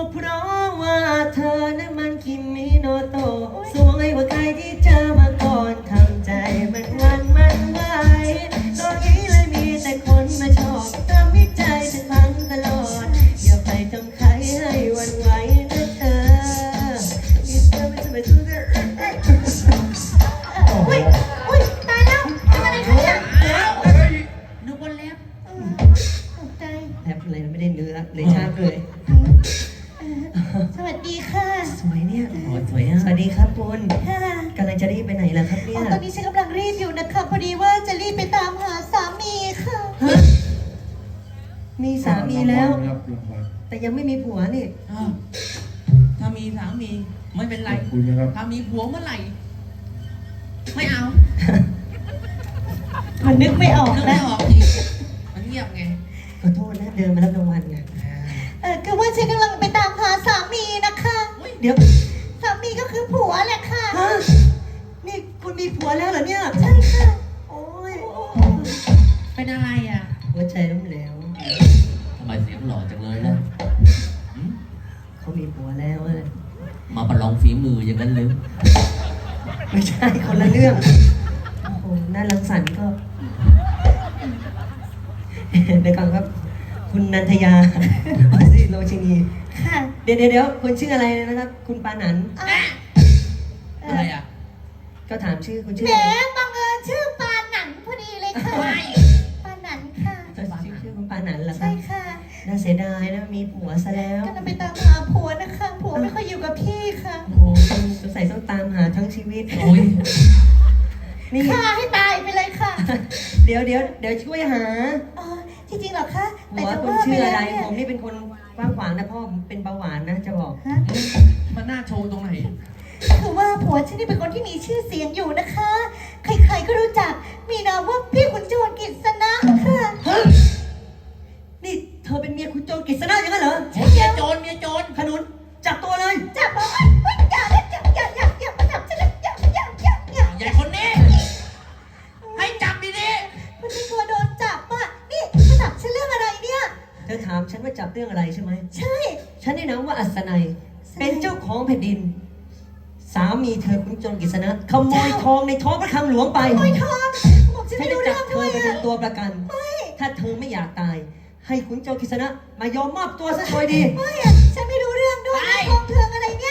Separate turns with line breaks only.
เพราะว่าเธอนั้นมันคิมิโนโตะสวยกว่าใครที่เจอมาก่อนทำใจมันหวันมันไหวตอนนี้เลยมีแต่คนมาชอบทำให้ใจฉันพังตลอดอย่าไปทำใครให้หวันไหวนะเธอมีเธอไม่จะไปสู้เธออุ้ยอุ้ยตายแล้วทำอะไรกันเนี่ย
นึกว่าแลบ
ตกใจแทบอะไรไม่ได้เนื้อเลยชาเลย
สวัสดีค่ะ
สวยเนี่ยสวยอ่ะสวัสดีครับคุณ
ค่ะ
กำลังจะรีบไปไหนล่ะครับเนี่ย
ตอนนี้ฉันกำลังรีบอยู่นะคะพอดีว่าจะรีบไปตามหาสามีค่ะ
ฮะมีสามีแล้ว
ครับรางวัล
แต่ยังไม่มีผัวนี่
อ้าวถ้ามีสามีไม่เป็น
ข
ไร
อบคุณนะครับ
ถ้ามีผัวเมื่อไหร่ ไม่เอา
มันนึกไม่ออก
นึกไม่
นะ
ออกอีกมันเงียบไง
ขอโทษนะเดินมารับรางวัลไง
คือว่าฉันกำลังไปตามหาสามีนะคะ
เดี๋ยว
สามีก็คือผัวแหละค่ะ
ฮะนี่คุณมีผัวแล้วเหรอเนี่ย
ใช่ค่ะ
โอ้ย
เป็นอะไรอ่ะ
หัวใจล้มเหลว
ทำไมเสียงหล่อจังเลยล่ะ
เขามีผัวแล้วอะ
มาประลองฝีมืออย่างนั้นเลย
ไม่ใช่คนละเรื่องโอ้โหน่ารังสรรค์ก็เดี๋ยวก่อนครับ คุณนันทยาสิโรชินี
ค่ะ
เดี๋ยวคุณชื่ออะไรนะครับ คุณปานันท์
อ่ะ
อะไรอ่ะ
ก็ถามชื่อคุณชื่อ
แหม
อะไร
บังเอิญชื่อปาหนันพอดีเลยค่ะ
ไม่
ปาหนันค่ะ
ชื่อคุณปานันท์เหรอครั
ใช่
บ
ค่ะ
น่าเสียดายนะมีผัวซะแล้ว
กำลังไปตามหาผัวนะคะผัวไม่ค่อยอยู่กับพี่ค่ะ
โอ้โหสงสัยต้องตามหาทั้งชีวิต
โอ้ย
นี่
ฆ่าให้ตายไปเลยค่ะ
เดี๋ยวช่วยหา
อ๋อที่จริงเหรอคะ
หั
แต่
ว
จะ
คุณ
ว่าไป
ชื่อ
แล้
อะไร
วเนี่ย
ผมนี่เป็นคนกว้างขวางนะพ่อผมเป็นเบาหวานนะจะบอก
ฮะ
มันน่าโชว์ตรงไหน
คือว่าผัวฉันนี่เป็นคนที่มีชื่อเสียงอยู่นะคะ ใครๆก็รู้จัก มีนามว่าพี่ขุนโจรกิษณะค่ะ
ฮะนี่เธอเป็นเมียคุณโจรกฤษณะอย่างนั้นเหรอ
เมียโจรเมียโจร
ขนุนจับตัวเลย
จับบอกว่าเฮ้ยอย่าเล่นอย่ามาจับฉันเลยอย่า
ใหญ่คนนี้ ให้จับดี
มันเป็นตัวโดนจับอ่ะนี่มาจับฉันเรื่องอะไรเนี่ย
เธอถามฉันว่าจับเรื่องอะไรใช่ไหม
ใช่
ฉันได้นามว่าอัศนัยเป็นเจ้าของแผ่นดิน สามีเธอคุณโจรกฤษณะขโมยทองในท้องพระคลังหลวงไป
โอ้ยทองบอกฉัน
ฉัน
ไม่
จะ
รู้
จั
เรื่
บ
อง
เธ
ด้
อ
วย
ไปเป็น
อ่ะ
ตัวประกัน ถ้าเธอไม่อยากตาย ให้คุณโจรกฤษณะมายอมมอบตัวซะโดยดี
ไม่อ่ะฉันไม่รู้เรื่องด้วยทองเทืองอะไรเนี่ย